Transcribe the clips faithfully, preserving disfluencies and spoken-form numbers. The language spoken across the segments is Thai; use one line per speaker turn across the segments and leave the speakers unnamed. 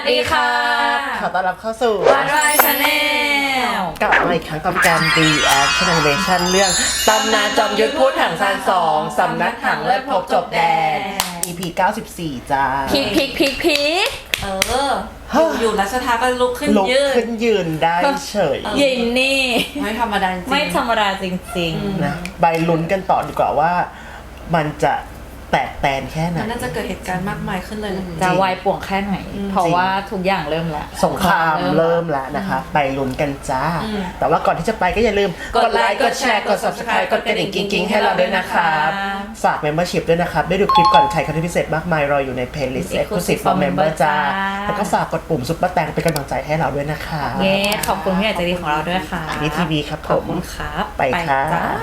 ดีค่ะ
ขอต้อนรับเข้าสู่
วันวายชาแนล
กลับมาอีกครั้งกับการ reaction animation เรื่องตำนานจอมยุทธพูดถังซานสองสำนักถังเลิศพบจบแดน อี พี เก้าสิบสี่ จ้า
พีคพีคพีคพีค
เออ อยู่อยู่รัชทาก็ลุกขึ้น
ลุก
ยืด
ขึ้นยืนได้เฉย
ยินนี่
ไม่ธรรมดาจริง
ไม่ธรรมดาจริง
นะใบลุ้นกันต่อดีกว่าว่ามันจะแตกแตนแค่ไหน
มันน่าจะเกิดเหตุการณ์มากมายขึ้นเลยนะ
ๆ จะวายป่วงแค่ไหน เพราะว่าทุกอย่างเริ่มแล้ว
สงครามเริ่มแล้วนะคะไปลุ้นกันจ้า แต่ว่าก่อนที่จะไปก็อย่าลืมกดไลค์กดแชร์กด ซับสไครบ์ กดกระดิ่งกิ๊งๆให้เราด้วยนะครับฝาก membership ด้วยนะครับได้ดูคลิปก่อนใครคอนเทนต์พิเศษมากมายรออยู่ใน playlist exclusive for member จ้าแล้วก็ฝากกดปุ่มซุปเปอร์แตงเป็นกำลังใจให้เราด้วยนะคะ
เย้ขอบคุณพี่ใหญ่ใจดีของเราด้วยค่ะ
นี่ทีวีครับผ
ขอบ
ม
คุณครับ
ไปค่ะ
จ้า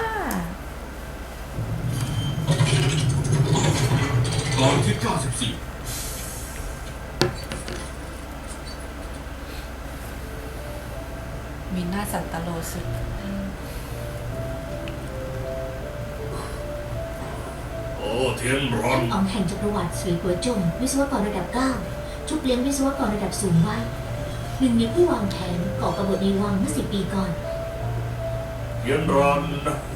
ตอนที่เก้าสิบสี่
มีหน้าสันตโลสุด
โอ้เทียนร้อน
ท่านอ๋องแห่งจักรวรรดิสวยหัวจงวิศวกรระดับเก้าชุบเลี้ยงวิศวกรระดับสูงไว้หนึ่งในผู้วางแผนก่อกบฏในวังเมื่อสิบปีก่อน
เทียนร้อน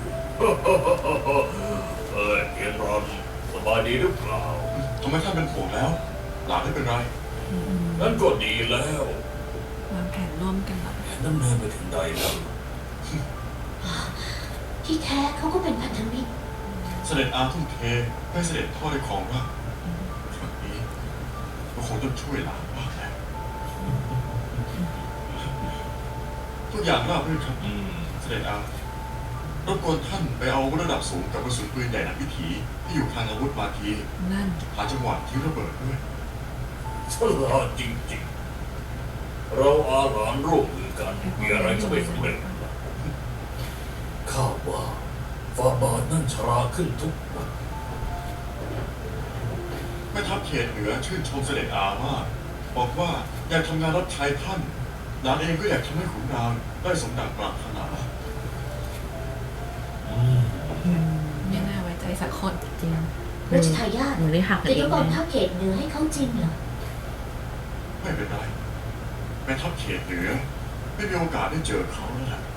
เอ้ยเทียนร้อนสบายดีหรือเปล่า
ทำไมท่านเป็นห่วงแล้ว หลานไม่เป็นไร
นั่นก็ดีแล้ว
วางแผนร่วมกันเหรอ
แผนดำเนินไปถึงใดแล้ว
ที่แท้เขาก็เป็นพันธมิตร
เสด็จอาทุ่มเทให้เสด็จพ่อได้ครองราชย์ครั้งนี้ก็คงต้องช่วยหลานบ้างแล้วทุกอย่างราบรื่นครับ
อืม
เสด็จอารบกวนท่านไปเอาอาวุธระดับสูงกับกระสุนปืนใหญ่หนักวิถีที่อยู่ทางอาวุธมาที
นั่น
หาจังหวะที่ระเบิดด้วย
ฉลาดจริงๆ เราอาหลานร่วมมือกันมีอะไรจะไม่สำเร็จข้าว่าฟาบาทนั่นชราขึ้นทุกวัน
แม่ทัพเขตเหนือชื่นชมเสด็จอามากบอกว่าอยากทำงานรับใช้ท่านหลานเองก็อยากทำให้ขุนนางได้สมดังปรารถนา
ไม่น่าไว้ใจสักคน
จริง
รัชทายาท
หนูได้หักกัน
จะ
เอย ง
กกอง
นะ
ทัพเขตเหนือให้เขาจริงเหรอ
ไม่เป็นไรแม่ทัพเขตเหนือไม่มีโอกาสได้เจอเขาแล้วล่ะ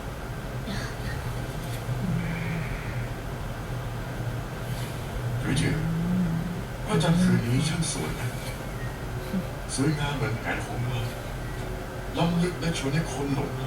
หรือจือพระจันทร์คืนนี้ช่างสวยนะสวยงามเหมือนแผนของเราล้ำลึกและชวนให้คนหลงไหล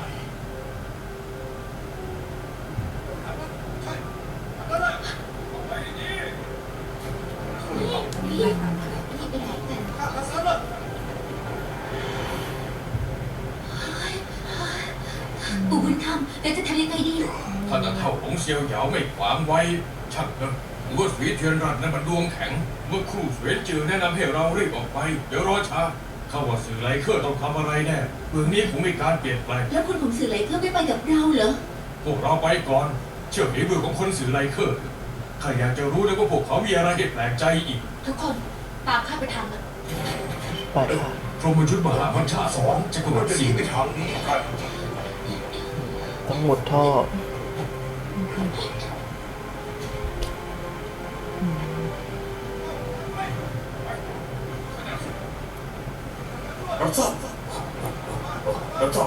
ปู่บุญธรรมเราจะทำยังไงดี
ท่านอาเท่าหลงเซียวเหยาไม่ขวางไว้ช่างเถอะหรือว่าสวีเทียนรัตน์นั้นมันดวงแข็ง เมื่อครู่สวีจือแนะนำให้เรารีบออกไป เดี๋ยวรอช้าข้าว่าสื่อไลเคอร์ต้องทำอะไรแน่เมืองนี้คงมีการเปลี่ยนแปลง
แล้วคนของสื่อไหลเคอร์ไม่ไปกับเราเหรอ
พวกเราไปก่อน เชื่อฝีมือของคนสื่อไลเคอร์ข้าอยากจะรู้เลยว่าพวกเขามีอะไรให้แปลกใจอีก
ทุกคนตามข้าไปทำอะ
ไปค่ะ
พรหมยุทธมหาวัญชาสอนจักรวรรดิสิงห์
ทางนี้กัน
ต้องหมดท่อ
รับทราบรับทราบ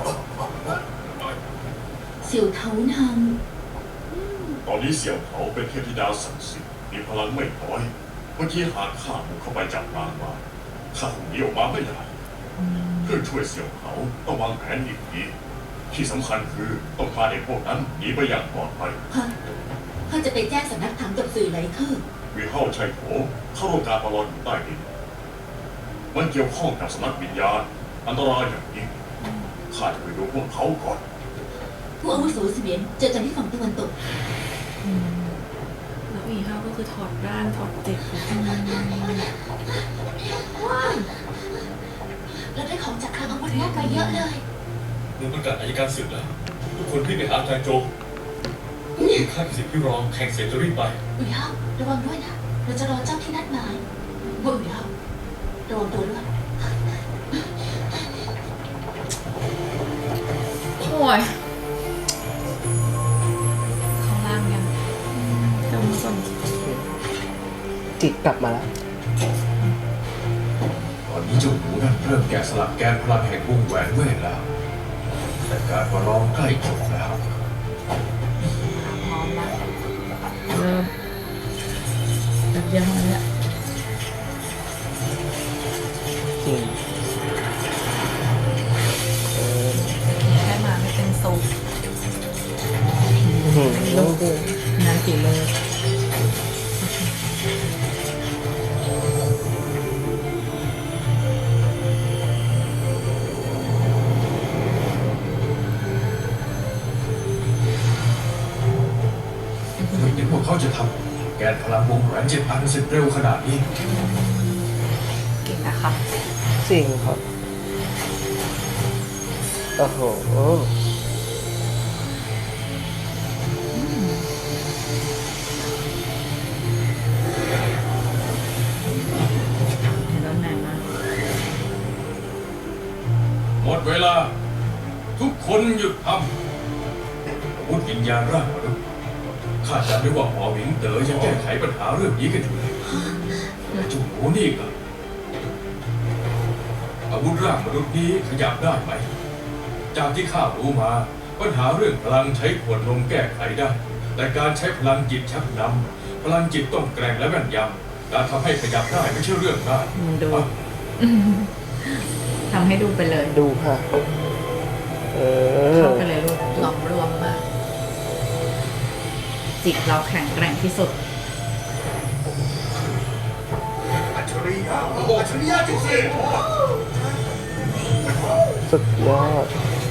เสี่ยวเทานาง
ตอนนี้เสี่ยวเขาเป็นเทพธิดาศักดิ์สิทธิ์มีพลังไม่น้อยเมื่อกี้หากข้าบุกเข้าไปจับนางมาข้าคงหนีออกมาไม่ได้เพื่อช่วยเสี่ยวเขาต้องวางแผนอีกทีที่สำคัญคือต้องพาเด็กพวกนั้นหนีไปอย่างปลอดภัย
ฮะข้าจะไปแจ้งสำนักถังกับสื่อไหลเคอร์
วีเข้าชัยโถเข้าร่วมการประลองอยู่ใต้ดินมันเกี่ยวข้องกับสำนักวิญญาณอันตรายอย่างยิ่งข้าจะไปดูพวกเขาก่อน
ผู้อาวุโสเสมียนเจอกันที่ฝั่งตะวันตก
แล้วอีห้าก็คือถอดร่างถอดเจ็บ
ว้าวเราได้ของจากคลังอาวุธมากไปเยอะเลย
เมื่อประกาศอายการศึกแล้ว ทุกคนรีบไปหาอาจารย์โจข้าสิทธิ์พี่รองแข่งเสร็จจะรีบไป
อุ๋ยเฮาระวังด้วยนะ เราจะรอเจ้าที่นัดหมายว่าอุ๋ยเฮาระวังตัวด้วย
โอ้ย
เขาล่างยัง
จำส่ง
จิตกลับมาแล้ว
ตอน
นี้เจ้าหนูนั่นเริ่มแกะสลักแกนพลังแห่งวงแหวนเวทแล้ว แต่การประลองใกล้จบแล้ว
พร้อมแล้ว
เริ่มแบบเดียวเท่านั้นแหละ
จริงเออ
แค่มาไม่เป็นสุข
อื้อหือ
โลโก้งานฝีมือ
ไม่คิดว่าเขาจะทำแกนพลังวงแหวนเจ็ดอันเสร็จเร็วขนาดนี้
เก่งนะคะ
จริงครับโอ้โห
เห็นแล้วนานมาก
หมดเวลา ทุกคนหยุดทำอาวุธวิญญาณร่างมนุษย์ข้าจำได้ว่าหมอหมิงเต๋อยังแก้ไขปัญหาเรื่องนี้กันอยู่เลยแต่เจุ๋หนูนี่ก็อาวุธร่างมนุษย์นี้ขยับได้ไหม จากที่ข้ารู้มา ปัญหาเรื่องพลังใช้ขวดนมแก้ไขได้ แต่การใช้พลังจิตชักนำพลังจิตต้องแกร่งและแม่นยำการทำให้ขยับได้ไม่ใช่เรื่องง่าย
อืมดู
อ่ะ
ทำให้ดูไปเลย
ดูค่ะ เออ
เข้าไปเลยลูก
หลอมรวมมาก
จิตเราแข็งแกร่งที่สุด
อัจฉริยะอัจฉริยะจริง
สุดยอด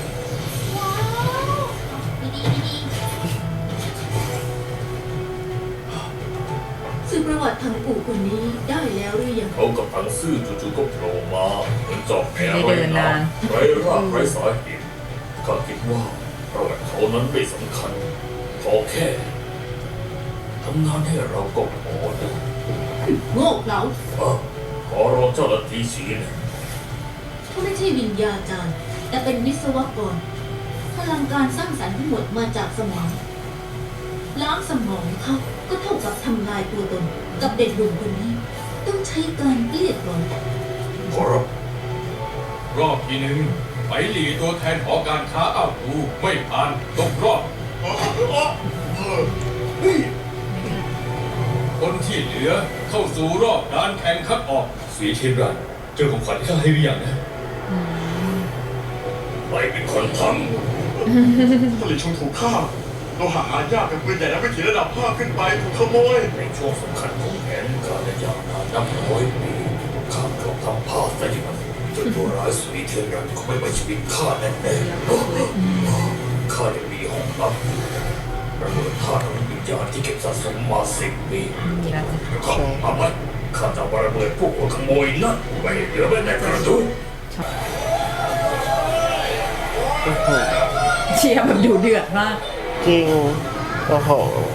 สื่อประวัติทางปู่คนนี้ได้แล้วหรือยัง
เขากับทังซื่อจู่ๆก็โผล่มาเหมือนจอบแห
ไม่ได้เดินนาน
ไร้รากไร้สาเหตุข้าคิดว่าประวัติเขานั้นไม่สำคัญขอแค่ทำงานให้เราก็พอนะ
โง่เขลา
เอ้อขอรอเจ้าหน้าที่ชี้นะ
เขาไม่ใช่วิญญาจารย์ แต่เป็นวิศวกร พลังการสร้างสรรค์ทั้งหมดมาจากสมอง ล้างสมองเขาก็เท่ากับทำลายตัวตน กับเด็กหนุ่มคนนี้ ต้องใช้การเกลี้ยกล่อม
ขอรับ
รอบที่หนึ่งไปหลีตัวแทนหอการค้าอ้าวตูไม่ผ่านตกรอบ คนที่เหลือเข้าสู่รอบการแข่งคัดออก
สีเทียนรันเจอของขวัญที่ข้าให้หรือยังนะใครเป็นคนท
ผลิตชงถูกฆ่าโลหะหายากกับปืนใหญ่และวิถีระดับห้าขึ้นไปถูกขโมย
ำในช่วงสำคัญของแผนการระยะนานนับร้อยปีข้ากลับทำพลาดซะอย่างนั้นจนตัวร้ายสีเทียนรันก็ไม่มาชีวิตข้าแน่ๆข้ายังมีห้องลับระเบิดธาตุวิญญาณที่เก็บสะสมมาสิบปี
มีแล้วจ้ะ
ข้าเอาไว้ข้าจะเอาระเบิดพวกหัวขโมยนั่นไว้เหลือไว้ในกระดูก
เชียร์แบบดูเดือดมาก
จริง โอ้โห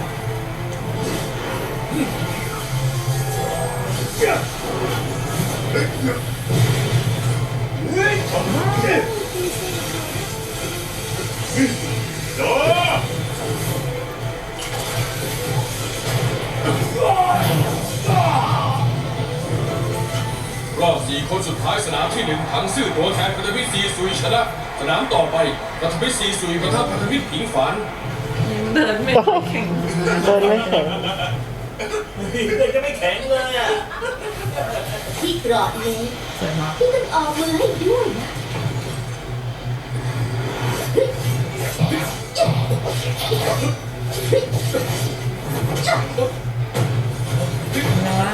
รอบสี่คนสุดท้ายสนามที่หนึ่งถังซื่อตัวแทนพันธมิตรซีซุยชนะ สนามต่อไปพันธมิตรซีซุยปะทะพันธมิตรผิงฝาน
เดินไม่ค่อยแข็ง
เดินไม่แข็ง
ที่กรอดเลย
สวยมาก
ที่ต้องออกมือให้ด้วยนะ
แล้วว่า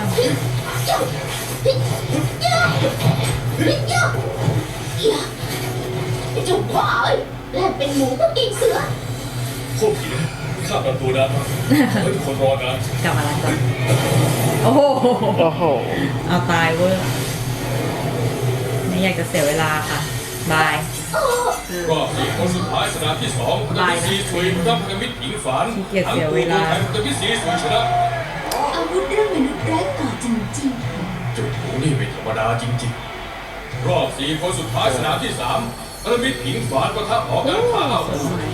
ไอ้เจ้าบ้าเอ้ยแลกเป็นหมูก็กินเสือ
พวกผีข้าประตูนานมากให้ทุกคนรอนาน
กลับมาแล้วจ้ะโอ้โห
โอ้โห
เอาตายเวอร์ไม่อยากจะเสียเวลาค่ะ บาย
รอบสี่คนสุดท้ายสนามที่สองพันธมิตรซีซุยปะทะพันธมิตรผิงฝาน
ขี้เกียจ
ทั้ง
เสีย
ตัว
เว
ตัว
ลา
แทนพันธมิตรซีซุยชนะ
อาวุธเรื่องมนุษย์ไร้ก่อจริง
เจุดหนูนี่ไม่ธรรมดาจริงๆ รอบสี่คนสุดท้ายสนามที่สามพันธมิตรผิงฝานปะทะหอการค้าอ้าวตู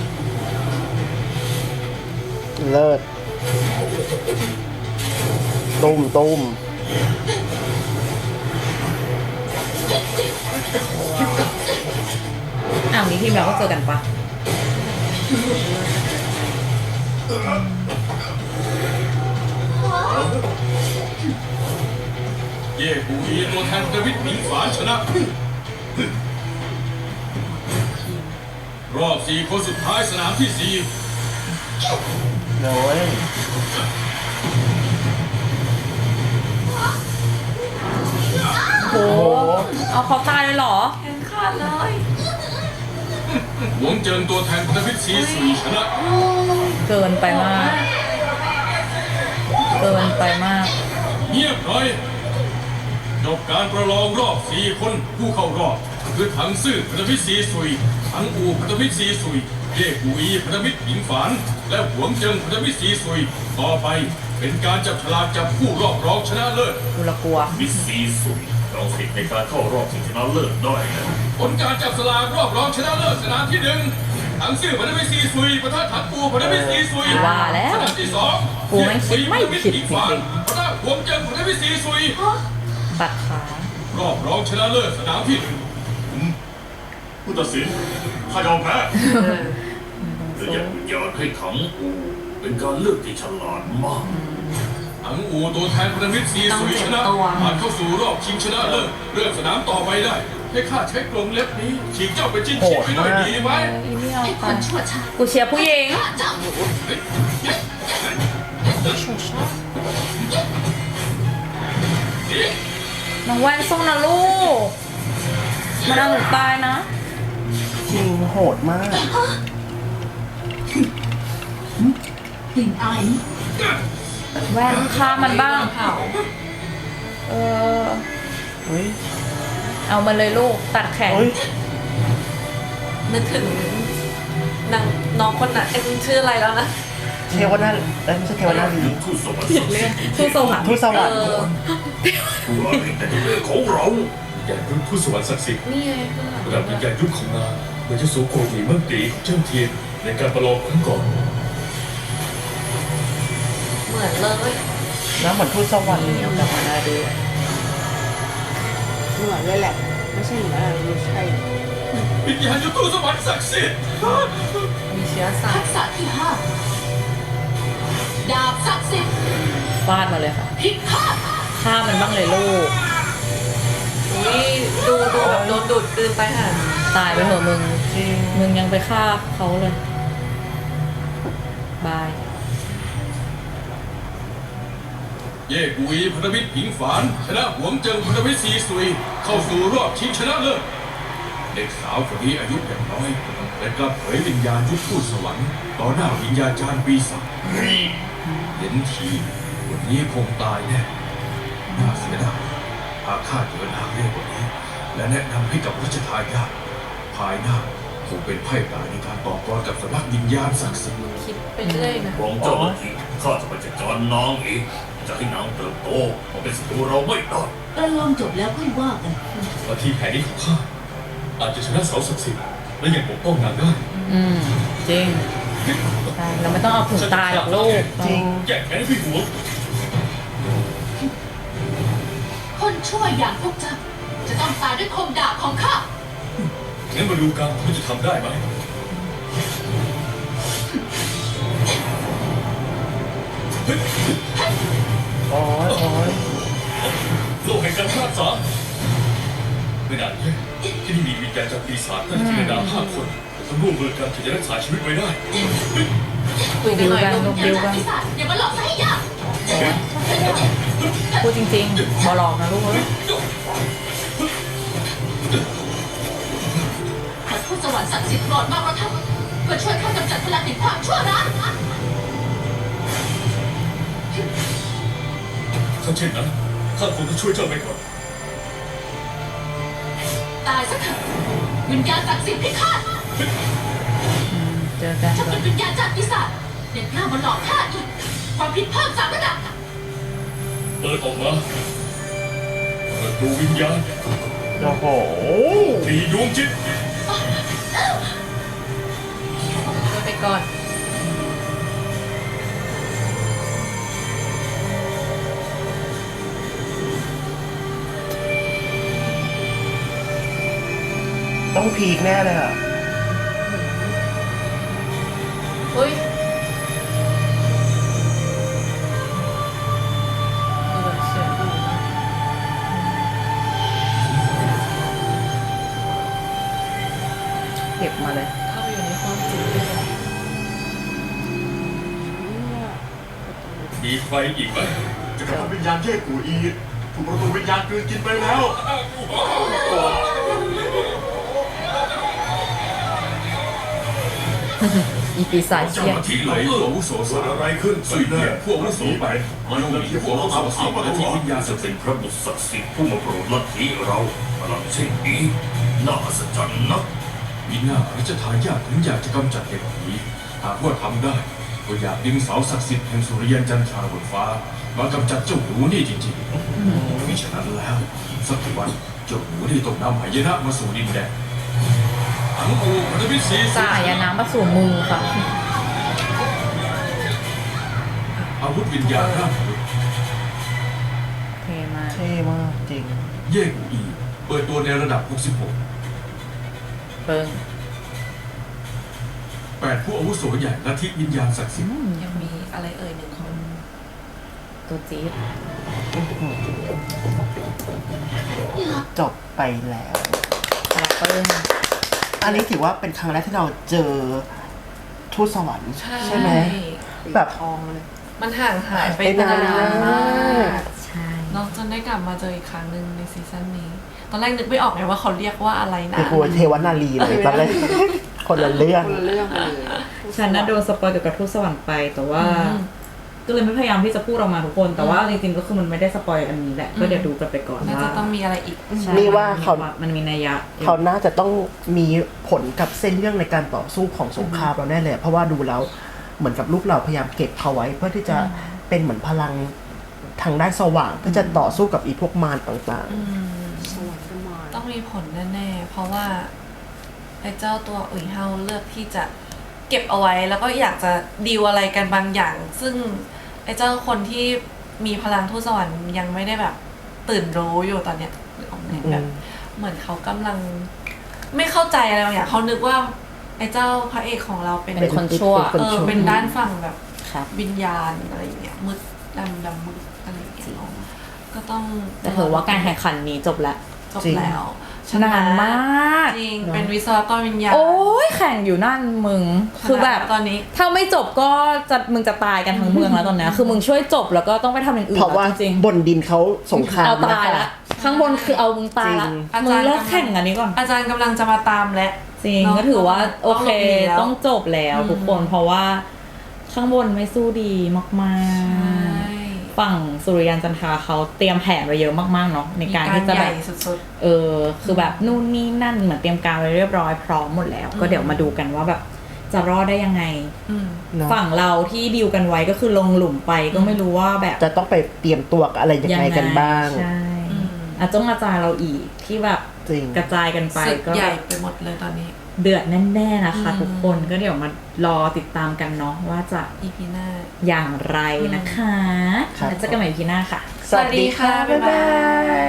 เลิศตุ้มตุ้ม
อ้าวมีทีมเราก็เจอกันปะ
เย่กูอีตัวแทนดวิดหมิงฝานชนะ รอบสี่คนสุดท้ายสนามที่สี่
โอ้ย
โห เอาเขาตายเลยเหรอ
แขนขาดเลย
หวงเจินตัวแทนดวิดซีสุยชนะ
เกินไปมาก เกินไปมาก
เงียบหน่อยจบการประลองรอบสี่คนผู้เข้ารอบคือถังซื่อพันธมิตรซีสุยถังอูพันธมิตรซีสุยเย่กูอีพันธมิตรหญิงฝานและหวงเจิงพันธมิตรซีสุยต่อไปเป็นการจับฉลากจับผู้รอบรองชนะเลิศ
กูละกลัว
มิสซีสุยเราสิทธิ์ในการเข้ารอบชิงชนะเลิศได้นะ
ผลการจับสลากรอบรองชนะเลิศสนามที่หนึ่งถังซื่อพันธมิตรซีสุยปะทะถังอูพันธมิตรซีสุย
ว่าแล้ว
สนามที่สอง
กูแม่งคิดไม่ผิดจริงๆ
ปะทะหวงเจิงพันธมิตรซีสุย
ตัดขา
รอบรองชนะเลิศสนามที่หนึ่ง
ผู้ตัดสินข้ายอมแพ้และยังอยากให้ถังอูเป็นการเลือกที่ฉลาดมาก
ถังอูตัวแทนพันธมิตรซีสุยชนะผ่านเข้าสู่รอบชิงชนะเลิศเลือกสนามต่อไปได้ ให้ข้าใช้กรงเล็บนี้ฉีกเจ้าไปจิ้นฉีกไปด้วยดีไหม
อีไม่เอา
ไอ้ค
ไป
นชั่วช้า
กูเชียร์ผู้หญิง
ฆ่าเจ้า
น้องแว่นสู้นะลูก มันเอาหนูตายนะ
จริงโหดมาก
กลิ่นอายนี้
แว่นฆ่ามันบ้าง
เผา
เออ
เฮ้ย
เอามาเลยลูก ตัดแขน
เฮ้ย
นึกถึงนางน้องคนน่ะเอ็มชื่ออะไรแล้วนะ
เทวนาเอ้ยไม่ใช่เทวนาลี
ทูตสวรรค์ศักดิ์สิทธิ์
สู้สวรรค์
ทูตสวรรค์
เออ
ว่าเป็นแต่เรื่องของเรา
วิญญาณยุทธผู้สวรรค์ศักดิ์สิทธิ์
นี่ไง
ระดับวิญญาณยุทธของนางเหมือนจะสูงกว่าหนีมั่งตีของเจ้าเทียนในการประลองครั้งก่อน
เหมือนเลย
น้ำเหมือนทูตสวรรค์เลย
กลับมาได้ดู
เหมือนเลยแหละ ไม่ใช่เหมือนอะไรไม่ใช่
วิญญาณยุทธตู้สวรรค์ศักดิ์สิทธิ์
มีเชื้อสา
ทั
ย
กษะที่ห้าดาบศักดิ์สิทธิ์
ฟาดมาเลยค่ะ
พิฆาต
ฆ่ามันบ้างเลยลูก
นี่ดูดูแบบโดนดูดกลืนไปค่ะ
ตายไปเถอะมึง
จริง
มึงยังไปฆ่าเขาเลย บาย
เย่กุยพันธมิตรหญิงฝานชนะหวงเจิงพันธมิตรซีสุยเข้าสู่รอบชิงชนะเลิศเด็กสาวคนนี้อายุอย่างน้อยแต่กลับเผยวิญญาณยุทธทูตสวรรค์ต่อหน้าวิญญาจารย์ปีศาจเห็นทีวันนี้คงตายแน่น่าเสียดายหากข้าเดินทางเร็วกว่านี้ และแนะนำให้กับรัชทายาทภายหน้าคงเป็นไพ่ตายในการต่อกรกับสำนักวิญญาณศักดิ์สิทธิ์
คิดไปเรื่อยนะ
หวังเจ้าหน้าที่ข้าจะไปจัดการนางเองจะให้นางเติบโตมาเป็นศัตรูเราไม่ได้
ประลองจบแล้วค่อยว่ากัน
บางทีแผนนี้ของข้าอาจจะชนะเสาศักดิ์สิทธิ์และยังปกป้องนางได้
อืม จริงใช่เราไม่ต้องเอาถึงตายหรอกลูก
จริง
แก้แค้นให้พี่หัว
คนชั่วอย่างพวกเจ้าจะต้องตายด้วยคมดาบของข้า
งั้นมาดูกันว่าจะทำได้ไหม
โอ้ยโอ้ย
โลกแห่งการพลาดสาไม่นานแค่ที่นี่มีวิญญาณจากปีศาจน่าจะจินตนาห้าคนต้องร่วมมือกันถึงจะรักษาชีวิตไว้ได้
คุยกันหน่อย
ดู
ลู
กั
ก
น
อย่าปีศาจอย่ามาหลอกซะให้ยาก
พูดจริงๆบอหลอกนะลูกเอ้ย
ขอทูตสวรรค์ศักดิ์สิทธิ์โปรดมาประทับเพื่อช่วยข้ากำจัดพลังแห่งความชั่วร้าย
ถ้าเช่นนั้นข้าคงต้องช่วยเจ้าไปก่อน
ตายซะเถอะวิญญาณศักดิ์สิทธิ์พิฆาต
อืมเจอกัน
เจ้า
ก่อ
เป็น นวิญญาณจากปีศาจเด็กกล้ามาหลอกข้าอีกความผิดเพิ่มสามระดับ
เปิดออกมาเปิดดูวิญญาณ
โอ้โห
ตีดวงจิต
ไปก่อน
ต้องพีคแน่เลยอ่ะ
มีใครอีกไหม
จะกระทำวิญญาณเย่กูอีถูกประตูวิญญาณกลืนกินไปแล้ว
อีปีศาจ
เจ้า
เชี่ย
หน้าที่ไหนผู้อาวุโสสามอะไรขึ้นสุดเนี่ยผู้อาวุโสไปมันต้องมีผู้อาวุโสสามและที่วิญญาณ
จะ
ศักดิ์สิ
เป็
ท
น
ธิ์
พระบุตรศักดิ์สิทธิ์ผู้มาโปรดลัทธิเราพลังเช่นนี้น่าอัศจรรย์นัก
มีหน้าพระเจ้าทายาทถึงอยากจะกำจัดเหตุนี้หากว่าทำได้ก็อยากดึงเสาศักดิ์สิทธิ์แห่งสุริยันจันทราบนฟ้ามากำจัดเจ้าหนูนี่จริงๆมิฉะนั้นแล้วสักวันเจ้าหนูนี่ต้องนำหายนะมาสู่ดินแดนทั้งกูมันจะมีสี
สายยาน้ำมาสู่มือค่ะ
อาวุธวิญญาณร่างมนุษย์
เทมาก
เท่มากจริง
เย่กูอีเปิดตัวในระดับ หกสิบหก
เบิ้ง
แปดผู้อาวุโสใหญ่ลัทธิวิญญาณศักดิ์สิทธิ์
ยังมีอะไรเอ่ยหนึ่งคน
ตัวจี๊ด
จบไปแล้ว
ตาเปิ้ง
อันนี้ถือว่าเป็นครั้งแรกที่เราเจอทูตสวรรค์ใช่ไหม แบบ
ทองเลย
มันห่างหายไป
ไปนาน
นานมาก
ใช่
เนอกจนได้กลับมาเจออีกครั้งหนึ่งในซีซั่นนี้ ตอนแรกนึกไม่ออกไงว่าเขาเรียกว่าอะไรนะ
คือกูเทวนารีเลยตอนแรกคนละเรื่อง
คนละเรื่องไปเลย
ฉันน่ะโดนสปอยเกี่ยวกับทูตสวรรค์ไปแต่ว่า
อืม
ก็เลยไม่พยายามที่จะพูดออกมาทุกคน แต่ว่าจริงๆก็คือมันไม่ได้สปอยอันนี้แหละ ก็เดี๋ยวดูกันไปก่อน
น่า
ว่า
จะต้องมีอะไรอีก
ใช่
นี่ว่าเขา
มันมีนัยยะ
เขาน่าจะต้องมีผลกับเส้นเรื่องในการต่อสู้ของสงครามเราแน่เลยเพราะว่าดูแล้วเหมือนกับลูกเราพยายามเก็บเขาไว้ เพื่อที่จะเป็นเหมือนพลังทางด้านสว่างเพื่อจะต่อสู้กับอีพวกมารต่าง
อืม
สวรรค์ก็มา
ต้องมีผลแน่ๆ เพราะว่าไอ้เจ้าตัวอุ๋ยเฮาเลือกที่จะเก็บเอาไว้ แล้วก็อยากจะดีลอะไรกันบางอย่าง ซึ่งไอ้เจ้าคนที่มีพลังทูตสวรรค์ยังไม่ได้แบบตื่นรู้อยู่ตอนเนี้ยหรือออกไหม
ๆอื
แบ
ม
บเหมือนเขากำลัง ไม่เข้าใจอะไรบางอย่างเขานึกว่า ไอ้เจ้าพระเอกของเราเป็น
เป็นคนชั่ว
เป็น
เออ
ชั่ว
เป็นด้านฝั่งแบบ
ครับ
วิญญาณอะไรอย่างเงี้ยมืดดำดำมืดอะไรอย่างเงี้ยเนาะก็ต้อง
แต่ถือว่าการแข่งขันนี้จบแล้ว
จบ
จริง
แล้วชะ
นานมาก
จริง
เนอะ
เป็นวิศวกรวิญญาณ
โอ้ยแข่งอยู่นั่นมึง คือแบบ
ตอนนี้
ถ้าไม่จบก็จะมึงจะตายกันทั้งเมืองแล้วตอนเนี้ยคือมึงช่วยจบแล้วก็ต้องไปทำอย่างอื่น
เพราะว่า
แล้วจริง
บนดินเขาสงค
ๆ
ราม
เอาตาย
นะคะ
ละข้างบนคือเอามึงตายละ
จริง
มึงเลิกแข่งอันนี้ก่อน
อาจารย์กำลังจะมาตามและ
จริง
เนอะ
ก็ถือว่าโอเค
ต้องหลบหนีแล้ว
ต้องจบแล้ว
อืม
ทุกคนเพราะว่าข้างบนไม่สู้ดีมาก
ใช่
ๆ ฝั่งสุริยันจันทราเขาเตรียมแผนไว้เยอะมากๆเนาะในการที่จะ
ให
แบ
ญ่
บ
สุด
เออคือแบบนู่นนี่นั่นเหมือนเตรียมการไว้เรียบร้อยพร้อมหมดแล้ว ก็เดี๋ยวมาดูกันว่าแบบจะรอดได้ยังไง
ๆอืม
เนอะ
ฝั่งเราที่ดีลกันไว้ก็คือลงหลุมไปก็ไม่รู้ว่าแบบ
จะต้องไปเตรียมตัวกับอะไรยังไงกันบ้าง
ใช่
อืม
อาจจะอาจารย์เราอีกที่แบบ
จริง
กระจายกันไป
ศึก
ก็
ใหญ่ไปหมดเลยตอนนี้
เดือดแน่ๆนะคะ
อืม
ทุกคนก็เดี๋ยวมารอติดตามกันเนาะว่าจะ
อีพีหน้า
อย่างไรนะคะ
ครับ
แล้วเจอกันใหม่ อี พี หน้าค่ะ
สวัสดีค่ะ บ๊ายบาย